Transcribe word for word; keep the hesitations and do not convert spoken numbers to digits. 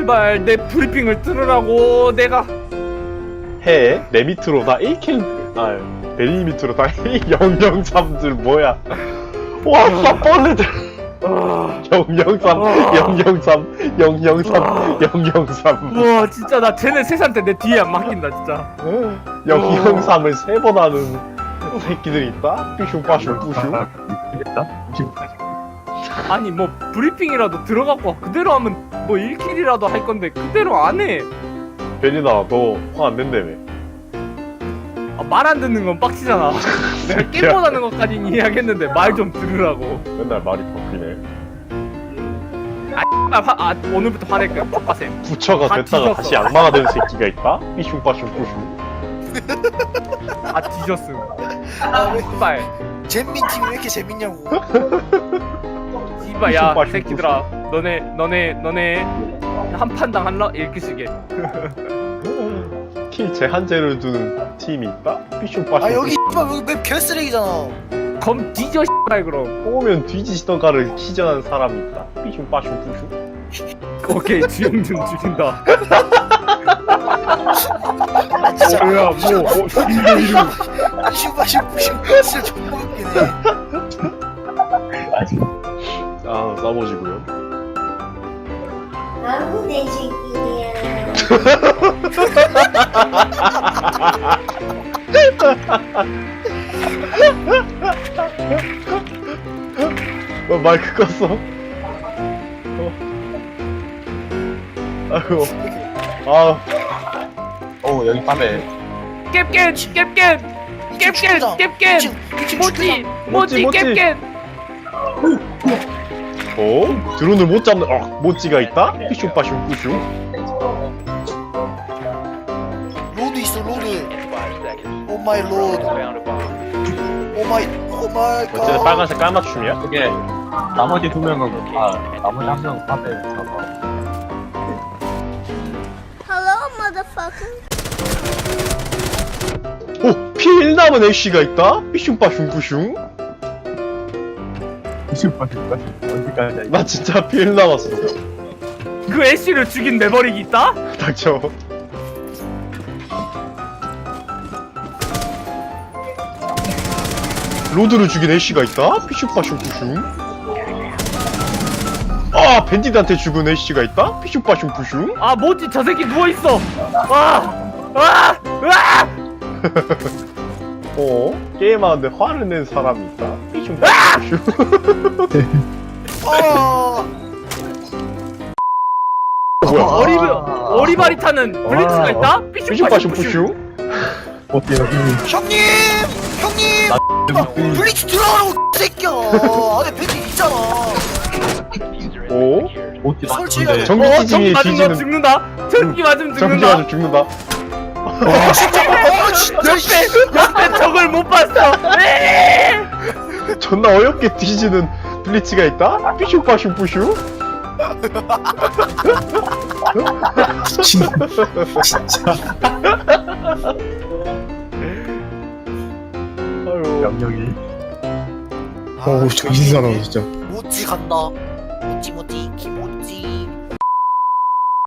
제발 내 브리핑을 들으라고. 내가 해. 내 밑으로 다 에이킬, 아, 베리 밑으로 다 영영삼들 뭐야. 와, 쌉벌레들. 영영삼, 영영삼, 영영삼, 영영삼. 우와 진짜 나 쟤네 셋한테 내 뒤에 안 맡긴다 진짜. 영영삼을 세 번 하는 새끼들이 있다? 삐슝, 빠슝, 뿌슝. 아니 뭐 브리핑이라도 들어갖고 그대로 하면 뭐 일 킬이라도 할 건데 그대로 안 해. 베리나, 너 화 안 낸다며. 아, 말 안 듣는 건 빡치잖아. 내가 게임 못하는 것까지는 이해하겠는데 말 좀 들으라고. 맨날 말이 바뀌네. 아, 화, 아 오늘부터 화낼까? 족바쌤. 부처가 다 됐다가 뒤졌어. 다시 악마가 된 새끼가 있다? 삐슝, 빠슝, 뿌슝. 아 뒤졌음. 아, 왜 씨발. 잼민 팀이 왜 이렇게 재밌냐고. 씨발 야 빠슝, 새끼들아. 너네 너네 너네 한 판당 한라 이렇게 쓰게. 킬 제한제를 두는 팀이 있다? 삐슝, 빠슝. 아 여기 X발 여기 맵 개쓰레기잖아. 검 뒤져 씨발 그럼. 뽑으면 뒤지시던가를 키전한 사람이 있다. 삐슝, 빠슝, 뿌슝. 오케이 주영준 죽인다. 아 진짜 뭐야 뭐 어, 이거 이름. 슈퍼슈퍼슈퍼 진짜 존나 웃기네. 아, 싸워지고요. 아무 내 새끼야. 어, 마이크 껐어. 어. 아이고. 아, 어 여기 밤에 깹깬 깹깬 깹깬 깹깬 모찌 모찌 모찌. 깹깬. 어? 드론을 못 잡는, 어, 모찌가 있다? 삐슝, 빠슝, 뿌슝. 로드 있어 로드. 오 마이 로드. 오 마이 오 마이 어쨌든 갓. 빨간색 깔맞춤이야? 그게 나머지 두 명은 아 나머지 한 명은 밤에 잡아. Hello, motherfucker. 오! 피 일 남은 애쉬가 있다? 삐슝, 빠슝, 뿌슝. 슈퍼슈퍼 언제까지? 나 진짜 피 일 남았어. 그 애쉬를 죽인 내버리기 있다? 닥쳐. 로드를 죽인 애쉬가 있다? 삐슝, 빠슝, 뿌슝. 아! 밴디드한테 죽은 애쉬가 있다? 삐슝, 빠슝, 뿌슝. 아 모찌 저 새끼 누워있어. 와! 와! 와! 어? 게임하는데 화를 낸 사람이 있다? 삐슝, 빠슝, 뿌슝. 아. 뭐야? 어리 어리바리 타는 블리츠가 와. 있다? 삐슝, 삐슝 빠슝, 빠슝 뿌슝. 뿌슝. 어때 여기 형님 형님. 아, 블리츠 들어가라고 새끼야. 안에 밴드 있잖아. 오? 어디 설치해야 돼. 전기 어, 찌짐이 전기 맞으면 뒤지는 죽는다. 전기 맞으면 전기 죽는다. 아주 죽는다. 아 진짜. 아 진짜. 옆에 옆에 적을 못 봤어. 에이! 존나 어렵게 뒤지는 블리츠가 있다? 삐슝, 빠슝, 뿌슝. 진짜 아유. 명령이 어우 정신 사나워 진짜. 모찌 간다. 모찌 모찌 키